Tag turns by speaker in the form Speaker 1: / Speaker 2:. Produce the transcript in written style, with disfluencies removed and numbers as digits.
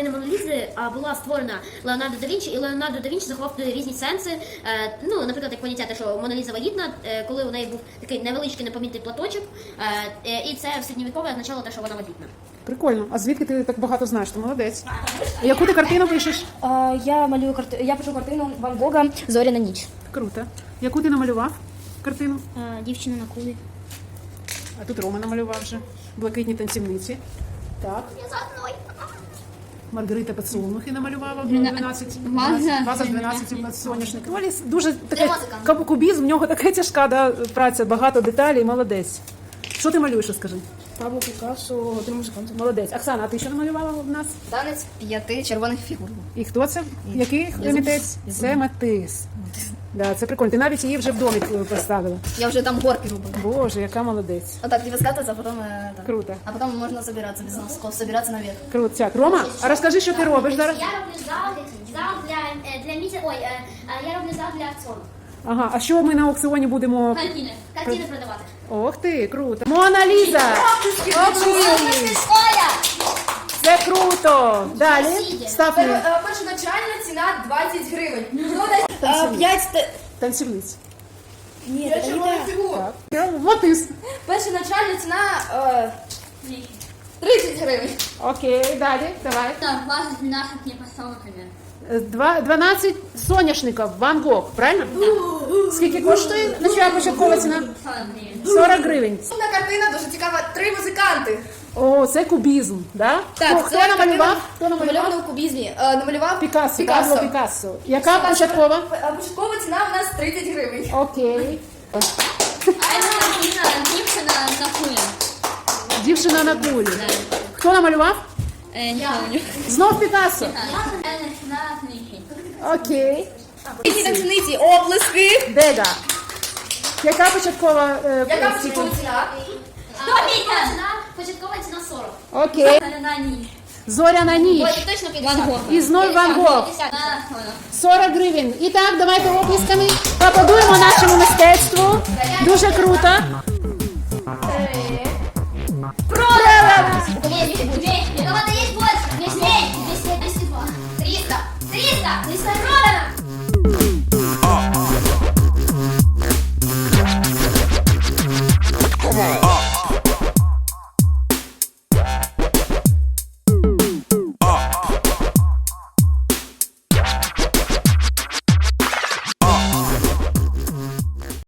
Speaker 1: картина Мона Лізи була створена Леонардо да Вінчі, і Леонардо да Вінчі заховав різні сенси. Ну, наприклад, як поняття те, що Мона Ліза вагітна, коли у неї був такий невеличкий непомітний платочок, і це в середньовіков'я означало те, що вона вагітна.
Speaker 2: Прикольно. А звідки ти так багато знаєш? Ти молодець. Яку ти картину пишеш?
Speaker 3: Я пишу картину Ван Гога «Зоряна ніч».
Speaker 2: Круто. Яку ти намалював картину?
Speaker 3: Дівчина на кулі.
Speaker 2: А тут Рома намалював вже. Блакитні танцівниці. Так.
Speaker 1: Я за мною.
Speaker 2: Маргарита Поцілунухи намалювала 12. Ваза з 12 соняшників. Олі дуже таке кубізм, в нього така тяжка праця, багато деталей, молодець. Що ти малюєш, розкажи?
Speaker 3: Пабло Пікассо, «Година музиканта».
Speaker 2: Молодець. Оксана, а ти що намалювала в нас?
Speaker 3: Танець 5 червоних фігур.
Speaker 2: І хто це? Який митець? Це Матис. Да, це прикольно. Ти навіть її вже в домі поставила.
Speaker 3: Я вже там горки робила.
Speaker 2: Боже, яка молодець.
Speaker 3: Отак, тебе скатываться, а потом...
Speaker 2: Круто.
Speaker 3: А потом можно забираться без носков, собираться наверх.
Speaker 2: Круто. Так, Рома, а розкажи, що ти робиш зараз?
Speaker 1: Я роблю зал для місця. Ой, я роблю зал для аукціону.
Speaker 2: Ага, а що ми на аукціоні будемо?
Speaker 1: Картини продавати.
Speaker 2: Ох ти, круто. Мона Ліза! Оплески! Це круто! Далі. Став мені.
Speaker 3: Першоначальна ціна 20 гривень. 5...
Speaker 2: Танцівниць.
Speaker 3: Ні, це не так.
Speaker 2: Так. Матис.
Speaker 3: Першоначальна ціна 30 гривень.
Speaker 2: Окей, далі, давай.
Speaker 1: Вас 12 непосолками.
Speaker 2: 12 соняшників, Ван Гог, правильно? Скільки коштує начала початкова ціна? 40 гривень.
Speaker 3: Наступна картина дуже цікава. 3 музиканти.
Speaker 2: О, це кубізм, да?
Speaker 3: Так,
Speaker 2: Хто намалював? Хто намалював?
Speaker 3: Намальовано у кубізмі. Намалював
Speaker 2: Пікассо, Пабло Пікассо. Яка початкова?
Speaker 3: Початкова ціна у нас 30 гривень.
Speaker 2: Окей.
Speaker 1: Дівчина на кулі.
Speaker 2: Дівчина на кулі. Хто намалював?
Speaker 1: Не помню.
Speaker 2: Знов Пікассо. Окей.
Speaker 3: Ці танцівниці, оплески.
Speaker 2: Дега. Яка початкова?
Speaker 3: Яка початкова ціна?
Speaker 1: Початкова ціна 40.
Speaker 2: Окей. Зоряна ніч.
Speaker 1: Точно 50.
Speaker 2: І знов Ван Гог. 40 гривень. І так, давайте оплесками поаплодуємо нашому мистецтву. Дуже круто.
Speaker 1: У кого-то есть больше? 200, 202, 300, 300, 300 продано!